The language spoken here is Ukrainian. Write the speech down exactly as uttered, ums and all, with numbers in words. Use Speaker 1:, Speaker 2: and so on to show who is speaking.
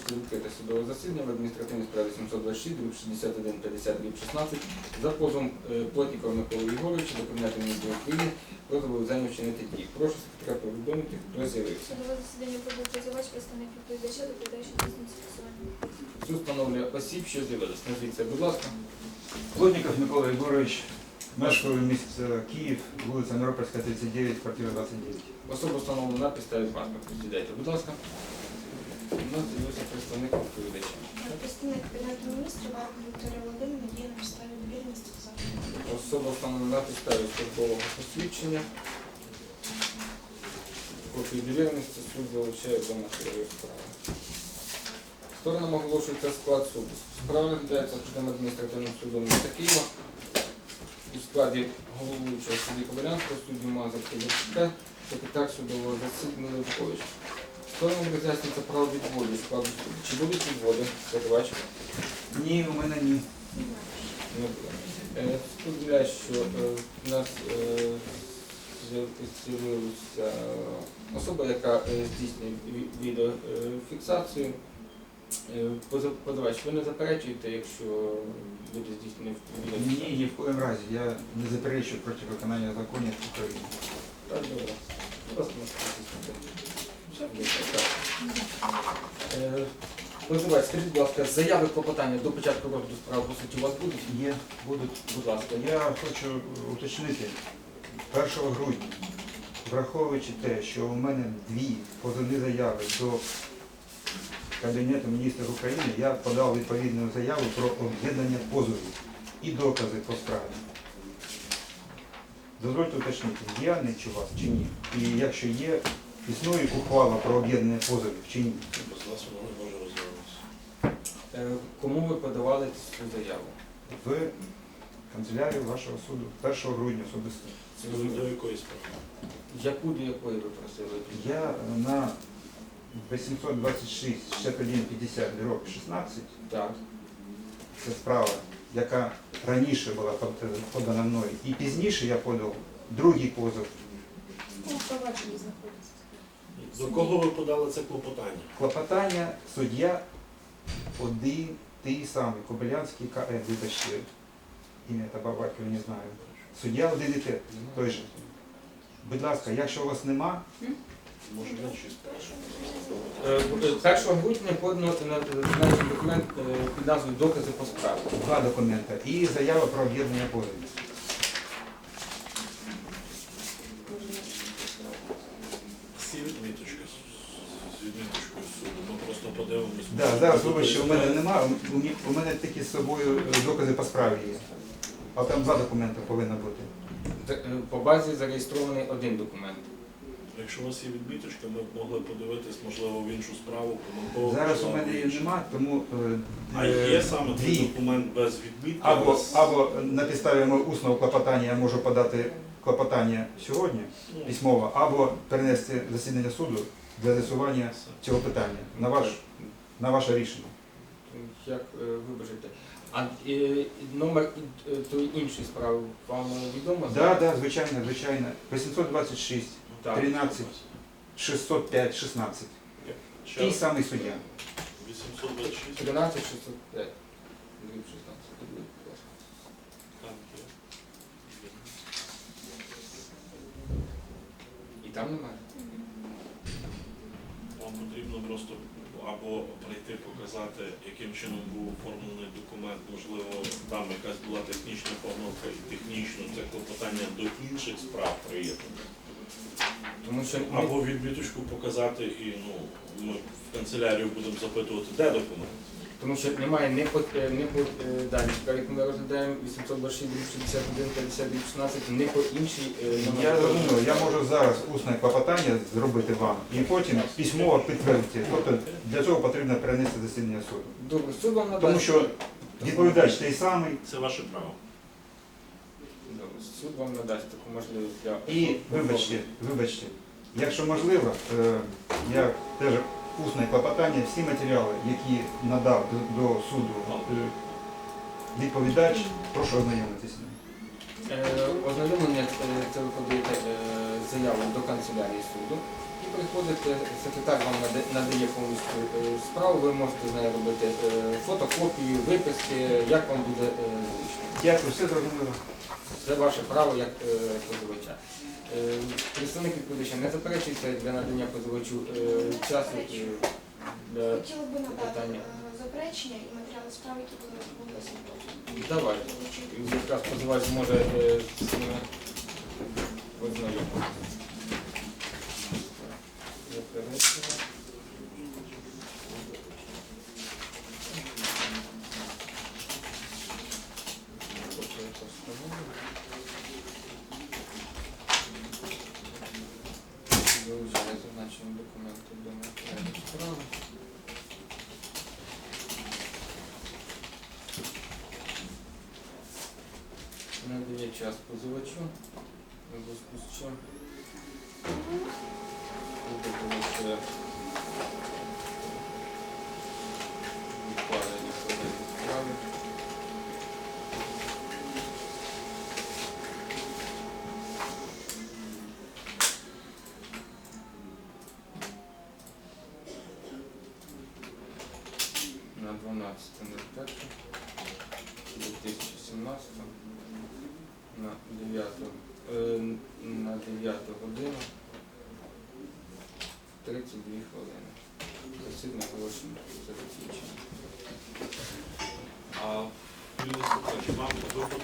Speaker 1: оголошується відкрите судове засідання в адміністративній справі сімсот двадцять шість, шістдесят один п'ятдесят шістнадцять за позовом Плотнікова Миколи Ігоровича до Кабінету міністрів України про зобов'язання вчинити дії. Прошу секретаря повідомити, хто з'явився.
Speaker 2: Судове засідання провів позивач, представник відповідача, доповідаючи здійснює фіксування.
Speaker 1: Суд встановлює осіб, що з'явилися. Назвіться, будь ласка.
Speaker 3: Плотніков Микола Ігорович, мешкаю місто Київ, вулиця Миропольська, тридцять дев'ять, квартира двадцять дев'ять.
Speaker 1: Особа встановлена на підставі паспорту. Сідайте, будь ласка. У нас з'явився представник відповідача.
Speaker 2: Представник Кабінету міністрів Варка Вікторія Володимирівна діє на підставі довіреності та закону.
Speaker 1: Особа встановлена на підставі службового посвідчення. Копію довіреності суд залучає до матеріалів справи. Сторонам оголошується склад суду. Справа розглядається судом адміністративним судом міста Києва у складі головуючого судді Кобилянського, судді Мазур Київська, секретар судового засідання Левкович. Сторонам роз'яснюється право відводу складу суду. Чи будуть відводи? Позивач?
Speaker 3: Ні, у мене ні.
Speaker 1: Не буде. Е, Сподіваю, що е, в нас е, з'явилася особа, яка е, здійснює ві- відеофіксацію. Е, поза- Позивач, ви не заперечуєте, якщо буде здійснений відеофіксацію?
Speaker 3: Ні, ні в коєму разі. Я не заперечую проти виконання законів України.
Speaker 1: Так, добре. Будь ласка, можете здійснити. Так. Е, Позивач, скажіть, будь ласка, заяви клопотання до початку розгляду справи по суті у вас будуть?
Speaker 3: Є, будуть.
Speaker 1: Будь ласка.
Speaker 3: Я хочу уточнити, першого грудня, враховуючи те, що у мене дві позовні заяви до Кабінету міністрів України, я подав відповідну заяву про об'єднання позовів і докази по справі. Дозвольте уточнити, є нічого у вас чи ні? І якщо є, існує ухвала про об'єднання позовів чи ні?
Speaker 4: Без нас воно не може розвиватися.
Speaker 1: Е, Кому ви подавали цю заяву?
Speaker 3: В канцелярію вашого суду першого грудня особисто.
Speaker 4: До якої справи?
Speaker 1: Яку до якої ви просили?
Speaker 3: Я на вісімсот двадцять шість шістдесят один п'ятдесят шістнадцять,
Speaker 1: Так.
Speaker 3: це справа, яка раніше була подана мною, і пізніше я подав другий позов.
Speaker 2: У провадженні знаходиться.
Speaker 4: До кого ви подали це клопотання?
Speaker 3: Клопотання суддя один, той самий, Кобилянський К Е, вибачте, ім'я та Бабаків не знаю. Суддя один і те, той же. Будь ласка, якщо у вас нема,
Speaker 4: Може не чисто.
Speaker 1: Е, першого грудня подано на на документ е, під назвою «Докази по справі».
Speaker 3: два документи і заява про об'єднання позовів.
Speaker 4: Всі відміточки з- з відміточкою суду. Ми просто подивимось.
Speaker 3: Да, зараз, вибачте, у мене немає, у мене- у мене такі з собою докази по справі є. А там два документи повинно бути.
Speaker 1: Д- е, По базі зареєстрований один документ.
Speaker 4: Якщо у вас є відміточка, ми б могли подивитись, можливо, в іншу справу, помилково.
Speaker 3: Зараз у
Speaker 4: можливо,
Speaker 3: мене її
Speaker 4: іншу.
Speaker 3: нема, тому е,
Speaker 4: А
Speaker 3: е,
Speaker 4: є саме
Speaker 3: дві.
Speaker 4: той документ без відмітки?
Speaker 3: Або,
Speaker 4: без-
Speaker 3: або на підставі мого усного клопотання я можу подати клопотання сьогодні,
Speaker 4: Ну,
Speaker 3: письмово, або перенести засідання суду для з'ясування цього питання. На, ваш, на ваше рішення.
Speaker 1: Як е, вибачте. А е, номер е, тої іншої справи вам відомо?
Speaker 3: Так, да, да, звичайно, звичайно. вісімсот двадцять шість,
Speaker 1: Так.
Speaker 3: тринадцять, шістсот п'ять, шістнадцять.
Speaker 4: ще
Speaker 3: Той самий суддя.
Speaker 4: вісімсот двадцять шість.
Speaker 1: тринадцять шістсот п'ять. шістнадцять. Будь ласка.
Speaker 4: Так, є.
Speaker 1: І там немає?
Speaker 4: Вам потрібно просто або прийти показати, яким чином був оформлений документ, можливо, там якась була технічна помилка і технічно це клопотання до інших справ приєднано.
Speaker 1: Тому що ми-
Speaker 4: Або відміточку показати і ну, ми в канцелярію будемо запитувати, де документ.
Speaker 1: Тому що немає не по, е, не по е, даній справі, яку ми розглядаємо вісімсот двадцять шість, шістдесят один, п'ятдесят шістнадцять, не по іншій е, номер.
Speaker 3: Я розумію, я можу зараз усне клопотання зробити вам і потім письмово підтвердити. Тобто для цього потрібно перенести засідання суду.
Speaker 1: Добре, суд вам надасть.
Speaker 3: Тому що відповідач той самий.
Speaker 4: Це ваше право.
Speaker 1: Добре, суд вам надасть таку можливість для...
Speaker 3: І вибачте, вибачте, якщо можливо, е, я теж усне клопотання, всі матеріали, які надав до, до суду е, відповідач, прошу ознайомитися з ним.
Speaker 1: Е, Ознайомлення, е, це ви подаєте е, заяву до канцелярії суду. приходите, секретар вам наде- надає повністю е, справу, ви можете з нею робити е, фотокопію, виписки, як вам буде е, зручно.
Speaker 3: Дякую, все зрозуміло.
Speaker 1: Це ваше право як е, позивача. Е, Представник відповідача не заперечується для надання позивачу е, часу е, для
Speaker 2: Хотіла би надати
Speaker 1: питання.
Speaker 2: е, заперечення і матеріали справи, які були були запросені.
Speaker 1: Давайте. Якраз позивач зможе е, з ними ознайомитися. Заперечення. Копія постанови. Вилучає зазначені документи до матеріалів справи. Надає час позивачу, у зв'язку з чим буде вилучає відкладення подання справи. На дванадцяте перше дві тисячі сімнадцятого на дев'яту е, на дев'яту годину тридцять дві хвилини. Засідання оголошено за закінчення.
Speaker 4: А Юрій Степанович, вам ви